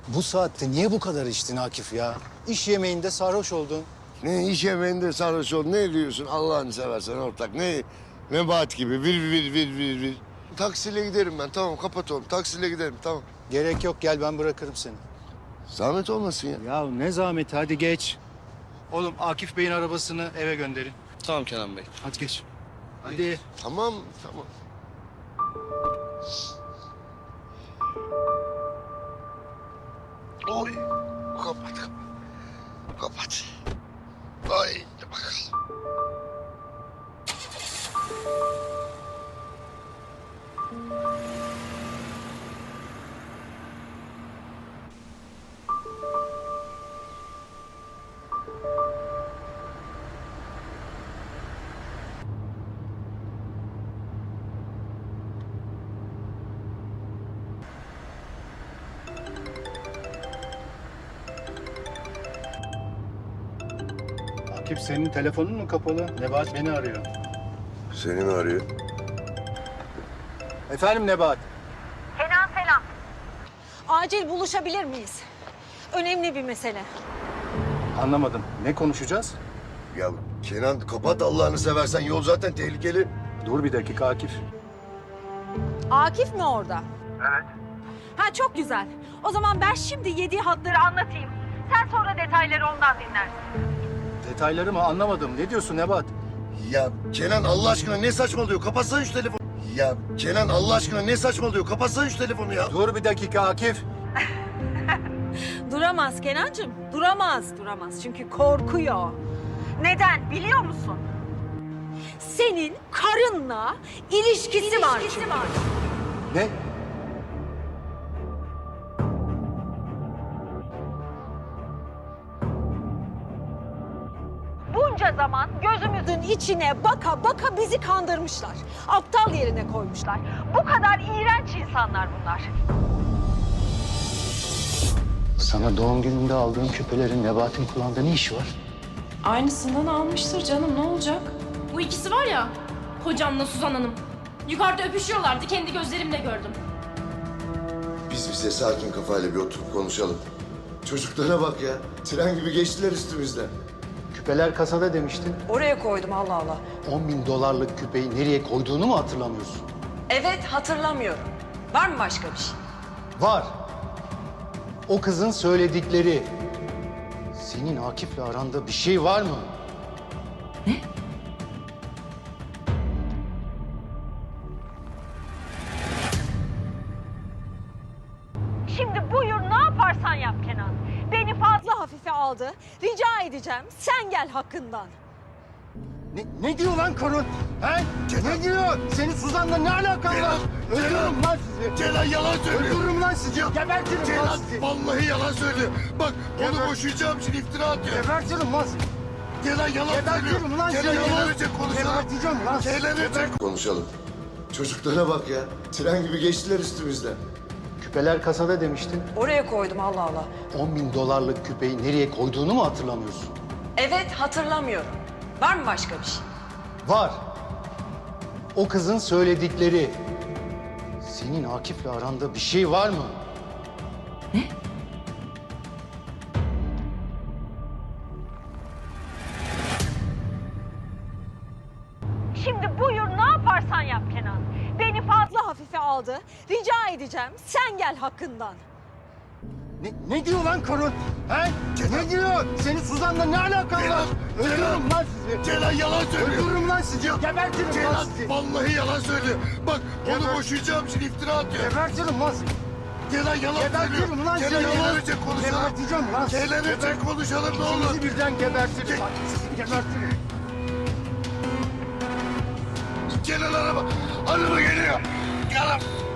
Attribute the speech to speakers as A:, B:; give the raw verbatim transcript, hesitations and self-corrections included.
A: Bu saatte niye bu kadar içtin Akif ya? İş yemeğinde sarhoş oldun.
B: Ne iş yemeğinde sarhoş ol, ne diyorsun Allah'ını seversen ortak. Ne Nebahat gibi bir bir bir bir bir. Taksiyle giderim ben, tamam kapat oğlum. Taksiyle giderim, tamam.
A: Gerek yok, gel ben bırakırım seni.
B: Zahmet olmasın ya.
A: Ya ne zahmet, hadi geç. Oğlum Akif Bey'in arabasını eve gönderin.
C: Tamam Kenan Bey.
A: Hadi geç. Hadi.
B: Tamam, tamam. Oy, kapat, kapat. Kapat. Ay, bakalım.
A: Akif, senin telefonun mu kapalı? Nebahat beni arıyor.
B: Seni mi arıyor?
A: Efendim Nebahat?
D: Kenan selam. Acil buluşabilir miyiz? Önemli bir mesele.
A: Anlamadım. Ne konuşacağız?
B: Ya Kenan kapat Allah'ını seversen, yol zaten tehlikeli.
A: Dur bir dakika Akif.
D: Akif mi orada? Evet. Ha çok güzel. O zaman ben şimdi yediği hatları anlatayım. Sen sonra detayları ondan dinlersin.
A: Detayları mı anlamadım. Ne diyorsun Nebahat?
B: Ya Kenan Allah aşkına ne saçmalıyor? Kapatsana şu telefonu. Ya Kenan Allah aşkına ne saçmalıyor? Kapatsana şu telefonu ya.
A: Dur bir dakika Akif.
D: Duramaz Kenancığım. Duramaz, duramaz. Çünkü korkuyor. Neden biliyor musun? Senin karınla ilişkisi, var çünkü.
A: Ne?
D: Bunca zaman gözümüzün içine baka baka bizi kandırmışlar. Aptal yerine koymuşlar. Bu kadar iğrenç insanlar bunlar.
A: Sana doğum gününde aldığım küpelerin Nebahat'in kulağında ne işi var?
E: Aynısından almıştır canım, ne olacak?
F: Bu ikisi var ya, hocamla Suzan Hanım. Yukarıda öpüşüyorlardı, kendi gözlerimle gördüm.
B: Biz bize sakin kafayla bir oturup konuşalım. Çocuklara bak ya. Tren gibi geçtiler üstümüzden.
A: Küpeler kasada demiştin.
G: Oraya koydum Allah Allah.
A: on bin dolarlık küpeyi nereye koyduğunu mu hatırlamıyorsun?
G: Evet hatırlamıyorum. Var mı başka bir şey?
A: Var. O kızın söyledikleri. Senin Akif'le aranda bir şey var mı?
D: Şimdi buyur ne yaparsan yap Kenan. Beni fazla hafife aldı. Rica edeceğim sen gel hakkından.
A: Ne, ne diyor lan karın? He? Ne diyor? Senin Suzan'la ne alakan var? Öldürürüm lan sizi.
B: Kenan yalan söylüyor.
A: Öldürürüm lan sizi. Gebertirim lan
B: Kenan
A: sizi.
B: vallahi yalan söylüyor. Bak onu
A: Geber-
B: boşayacağım için iftira atıyor.
A: Gebertirim lan sizi.
B: Kenan yalan
A: Gebertirim
B: söylüyor.
A: lan
B: Kenan
A: seni.
B: yalan önce konuşalım.
A: Geberteceğim lan sizi.
B: Kenan önce konuşalım. Çocuklara bak ya. Tren gibi geçtiler üstümüzden.
A: Küpeler kasada demiştin.
G: Oraya koydum Allah Allah.
A: on bin dolarlık küpeyi nereye koyduğunu mu hatırlamıyorsun?
G: Evet hatırlamıyorum. Var mı başka bir şey?
A: Var. O kızın söyledikleri. Senin Akif'le aranda bir şey var mı?
D: Şimdi buyur ne yaparsan yap Kenan. Beni fazla hafife aldı. Rica edeceğim sen gel hakkından.
A: Ne, ne diyor lan karın? He? Ne diyor? Senin Suzan'la ne alakan var? Öldürürüm lan sizi.
B: Kenan yalan söylüyor.
A: Öldürürüm lan sizi. Gebertirim lan
B: Kenan
A: sizi.
B: vallahi yalan söylüyor. Bak onu
A: Geber-
B: boşayacağım için iftira atıyor.
A: Gebertirim lan sizi.
B: Kenan yalan söylüyor.
A: Gebertirim lan sizi.
B: Kenan yalan önce konuşalım.
A: Geberteceğim lan sizi.
B: Kenan önce konuşalım ne olur.
A: İkinizi birden gebertirim. Bak, sizi gebertirim.
B: Kenan araba. Araba geliyor. Kenan.